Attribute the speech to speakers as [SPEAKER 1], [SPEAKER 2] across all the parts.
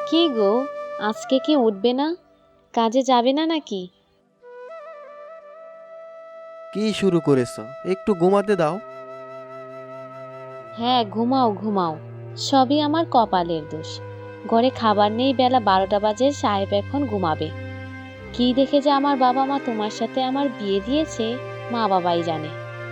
[SPEAKER 1] কি গো, আজকে কি উঠবে না? কাজে যাবে না নাকি?
[SPEAKER 2] কি শুরু করেছো? একটু ঘুমাতে দাও।
[SPEAKER 1] হ্যাঁ, ঘুমাও ঘুমাও। সবই আমার কপালের দোষ। ঘরে খাবার নেই, বেলা 12টা বাজে, সাহেব এখন ঘুমাবে। কি দেখে যে আমার বাবা মা তোমার সাথে আমার বিয়ে দিয়েছে, মা বাবাই জানে।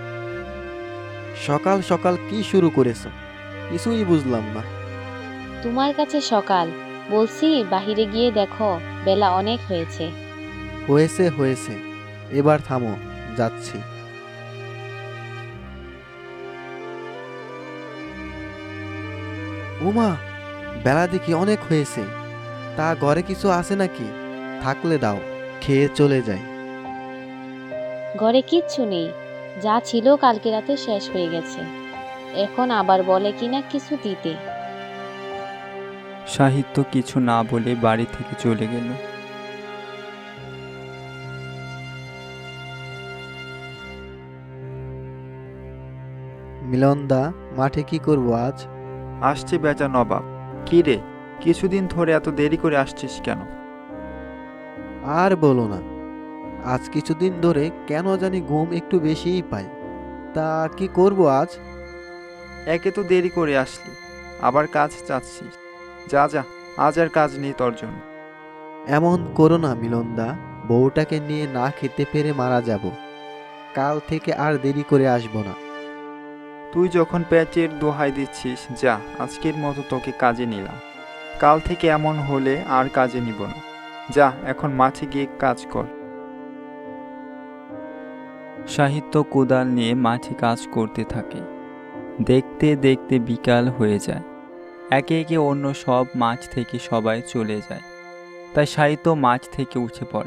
[SPEAKER 2] সকাল সকাল কি শুরু করেছো? কিছুই বুঝলাম না।
[SPEAKER 1] তোমার কাছে সকাল বলছি, বাহিরে গিয়ে দেখো, বেলা অনেক হয়েছে।
[SPEAKER 2] হয়েছে হয়েছে, এবার থামো, যাচ্ছি। ওমা, বেলা দেখি অনেক হয়েছে। তা ঘরে কিছু আছে নাকি? থাকলে দাও, খেয়ে চলে যাই।
[SPEAKER 1] ঘরে কিচ্ছু নেই, যা ছিল কালকে রাতে শেষ হয়ে গেছে। এখন আবার বলে কিনা কিছু দিতে।
[SPEAKER 3] সাহিত্য কিছু না বলে বাড়ি থেকে চলে গেল।
[SPEAKER 2] মিলনদা, মাঠে কি করবো আজ?
[SPEAKER 3] আসছে বেচা নবাব। কি রে, কিছুদিন ধরে এত দেরি করে আসছিস কেন?
[SPEAKER 2] আর বলো না, আজ কিছুদিন ধরে কেন জানি ঘুম একটু বেশিই পাই। তা কি করব আজ?
[SPEAKER 3] একে তো দেরি করে আসলি, আবার কাজ চাচ্ছিস। যা যা, আজ আর কাজ নেই তোর জন্য।
[SPEAKER 2] এমন করো না মিলনদা, বউটাকে নিয়ে না খেতে পেরে মারা যাব। কাল থেকে আর দেরি করে আসবো না।
[SPEAKER 3] তুই যখন পেটের দোহাই দিচ্ছিস, যা, আজকের মতো তোকে কাজে নিলাম। কাল থেকে এমন হলে আর কাজে নিব না। যা, এখন মাঠে গিয়ে কাজ কর। সাহিত্য কোদাল নিয়ে মাঠে কাজ করতে থাকে। দেখতে দেখতে বিকাল হয়ে যায়। একে একে অন্য সব মাঠ থেকে সবাই চলে যায়। তাই সাহিত্য মাঠ থেকে উঠে পড়ে।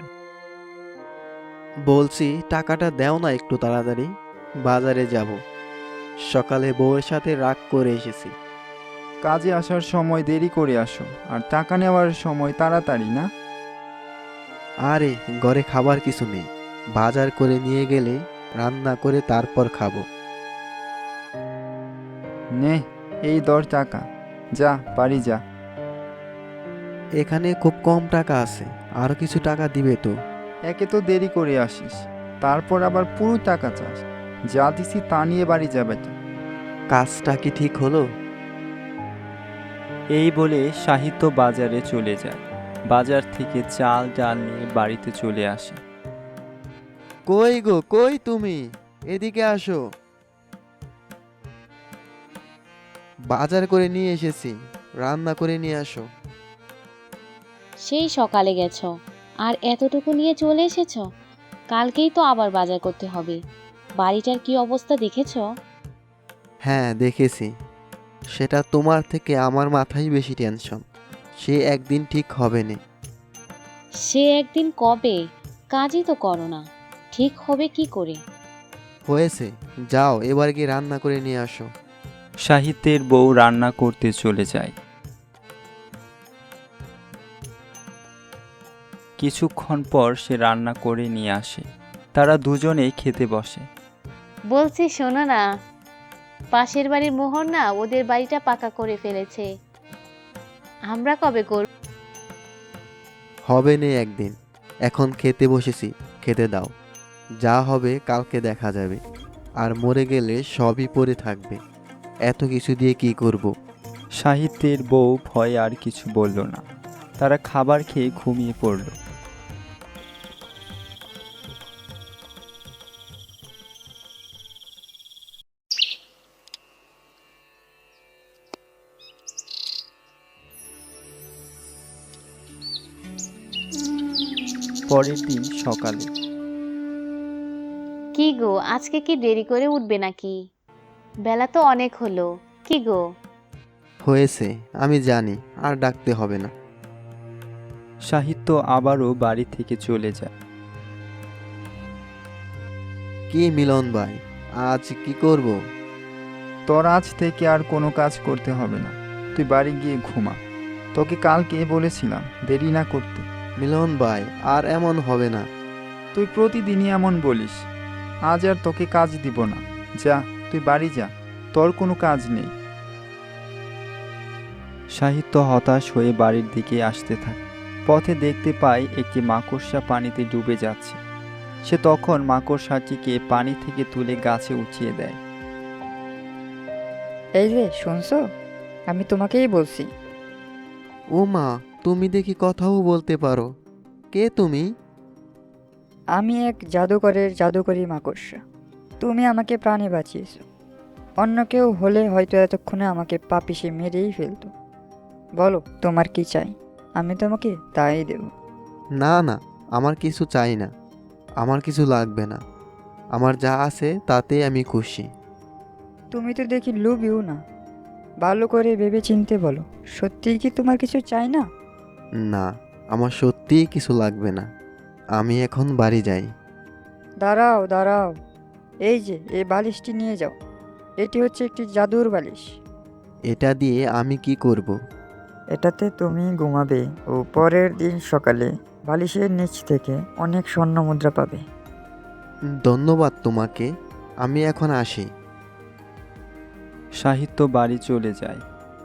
[SPEAKER 2] বলছি, টাকাটা দাও না একটু তাড়াতাড়ি, বাজারে যাব। সকালে বউয়ের সাথে রাগ করে এসেছি।
[SPEAKER 3] কাজে আসার সময় দেরি করে আসো, আর টাকা নেওয়ার সময় তাড়াতাড়ি না?
[SPEAKER 2] আরে, ঘরে খাবার কিছু নেই, বাজার করে নিয়ে গেলে রান্না করে তারপর খাবো।
[SPEAKER 3] নে, এই 10 টাকা, যা বাড়ি যা।
[SPEAKER 2] এখানে খুব কম টাকা আছে, আরো কিছু টাকা দিবে তো?
[SPEAKER 3] একে তো দেরি করে আসিস, তারপর আবার পুরো টাকা চাস। যা দিছি তা নিয়ে বাড়ি যা বেটা।
[SPEAKER 2] কাজটা কি ঠিক হলো?
[SPEAKER 3] এই বলে সাহিত্য বাজারে চলে যায়। বাজার থেকে চাল ডাল নিয়ে বাড়িতে চলে আসে।
[SPEAKER 2] কই গো, কই তুমি? এদিকে আসো। বাজার করে নিয়ে এসেছি, রান্না করে নিয়ে আসো।
[SPEAKER 1] সেই সকালে গেছো, আর এতটুকু নিয়ে চলে এসেছো? কালকেই তো আবার বাজার করতে হবে। বাড়িটার কি অবস্থা দেখেছো?
[SPEAKER 2] হ্যাঁ, দেখেছি। সেটা তোমার থেকে আমার মাথায় বেশি টেনশন। সে একদিন ঠিক হবে না।
[SPEAKER 1] সে একদিন কবে? কাজই তো করো না, ঠিক হবে কি করে?
[SPEAKER 2] হয়েছে, যাও এবার গিয়ে রান্না করে নিয়ে আসো।
[SPEAKER 3] সাহিত্যের বউ রান্না করতে চলে যায়। কিছুক্ষণ পর সে রান্না করে নিয়ে আসে। তারা দুজনেই খেতে বসে।
[SPEAKER 1] বলছি শোনো না, পাশের বাড়ির মোহর না ওদের বাড়িটা পাকা করে ফেলেছে। আমরা কবে করব?
[SPEAKER 2] হবে নে একদিন, এখন খেতে বসেছি, খেতে দাও। যা হবে কালকে দেখা যাবে। আর মরে গেলে সবই পড়ে থাকবে। এত কিছু দিয়ে কি করব?
[SPEAKER 3] সাহিত্যের বউ ভয়ে আর কিছু বলল না। তারা খাবার খেয়ে ঘুমিয়ে পড়ল। পরের দিন সকালে
[SPEAKER 1] কি গো, আজকে কি দেরি করে উঠবে নাকি? বেলা তো অনেক হলো। কি গো?
[SPEAKER 2] হয়েছে, আমি জানি, আর ডাকতে হবে না।
[SPEAKER 3] সাহিত্য আবারও বাড়ি থেকে চলে যায়।
[SPEAKER 2] কি মিলন ভাই, আজ কি করব?
[SPEAKER 3] তোর আজ থেকে আর কোনো কাজ করতে হবে না। তুই বাড়ি গিয়ে ঘুমা। তোকে কালকে বলেছিলাম দেরি না করতে।
[SPEAKER 2] মিলন ভাই, আর এমন হবে না।
[SPEAKER 3] তুই প্রতিদিনই এমন বলিস। আজ আর তোকে কাজ দিব না। যা, তুই বাড়ি যা, তোর কোনো কাজ নেই। সাহিত্য হতাশ হয়ে বাড়ির দিকে আসতে থাকে। পথে দেখতে পায় একটি মাকড়সা পানিতে ডুবে যাচ্ছে। সে তখন মাকড়সাটিকে পানি থেকে তুলে গাছে উঠিয়ে দেয়।
[SPEAKER 4] এই যে শুনছো, আমি তোমাকেই বলছি।
[SPEAKER 2] ও মা, তুমি দেখি কথাও বলতে পারো। কে তুমি?
[SPEAKER 4] আমি এক জাদুকরের জাদুকরি মাকড়সা। তুমি আমাকে প্রাণে বাঁচিয়েছো। অন্য কেউ হলে হয়তো এতক্ষণে আমাকে পাপিসে মেরেই ফেলতো। বলো তোমার কি চাই, আমি তোমাকে তাই দেব।
[SPEAKER 2] না না, আমার কিছু চাই না, আমার কিছু লাগবে না। আমার যা আছে তাতে আমি খুশি।
[SPEAKER 4] তুমি তো দেখি লোভিও না। ভালো করে ভেবে চিনতে বলো, সত্যিই কি তোমার কিছু চাই না?
[SPEAKER 2] না, আমার সত্যিই কিছু লাগবে না। আমি এখন বাড়ি যাই।
[SPEAKER 4] দাঁড়াও দাঁড়াও, এই যে এই বালিশটি নিয়ে যাও। এটি হচ্ছে একটি জাদুর বালিশ।
[SPEAKER 2] এটা দিয়ে আমি কি করব?
[SPEAKER 4] এটাতে তুমি ঘুমাবে ও পরের দিন সকালে বালিশের নিচ থেকে অনেক স্বর্ণ মুদ্রা পাবে।
[SPEAKER 2] ধন্যবাদ তোমাকে, আমি এখন আসি।
[SPEAKER 3] সাহিত্য বাড়ি চলে যায়।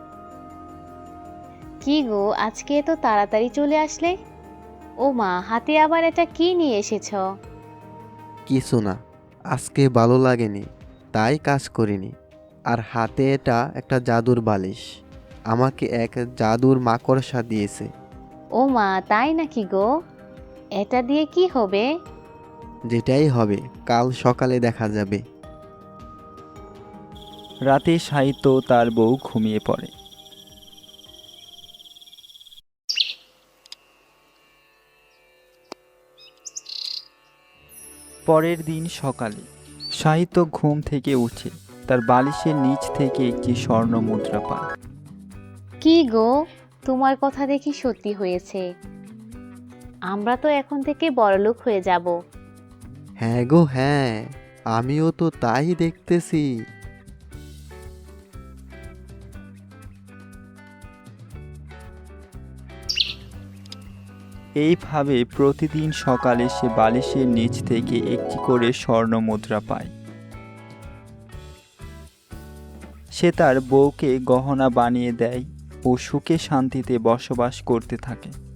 [SPEAKER 1] কি গো, আজকে তো তাড়াতাড়ি চলে আসলে? ও মা, হাতে আবার এটা কি নিয়ে এসেছ?
[SPEAKER 2] কিছু না, আজকে ভালো লাগেনি তাই কাজ করিনি। আর হাতে এটা একটা জাদুর বালিশ, আমাকে এক জাদুর মাকড়সা দিয়েছে।
[SPEAKER 1] ও মা, তাই নাকি গো? এটা দিয়ে কি হবে?
[SPEAKER 2] যেটাই হবে কাল সকালে দেখা যাবে।
[SPEAKER 3] রাতে সাহিত্য তার বউ ঘুমিয়ে পড়ে। পরের দিন সকালে সাহিত্য ঘুম থেকে উঠে তার বালিশের নিচ থেকে একটি স্বর্ণ মুদ্রা পায়।
[SPEAKER 1] কি গো, তোমার কথা দেখি সত্যি হয়েছে। আমরা তো এখন থেকে বড়লোক হয়ে যাব।
[SPEAKER 2] হ্যাঁ গো হ্যাঁ, আমিও তো তাই দেখতেছি।
[SPEAKER 3] এইভাবে প্রতিদিন সকালে সে বালিশের নিচ থেকে একটি করে স্বর্ণ মুদ্রা পায়। সে তার বউকে গহনা বানিয়ে দেয় ও সুখে শান্তিতে বসবাস করতে থাকে।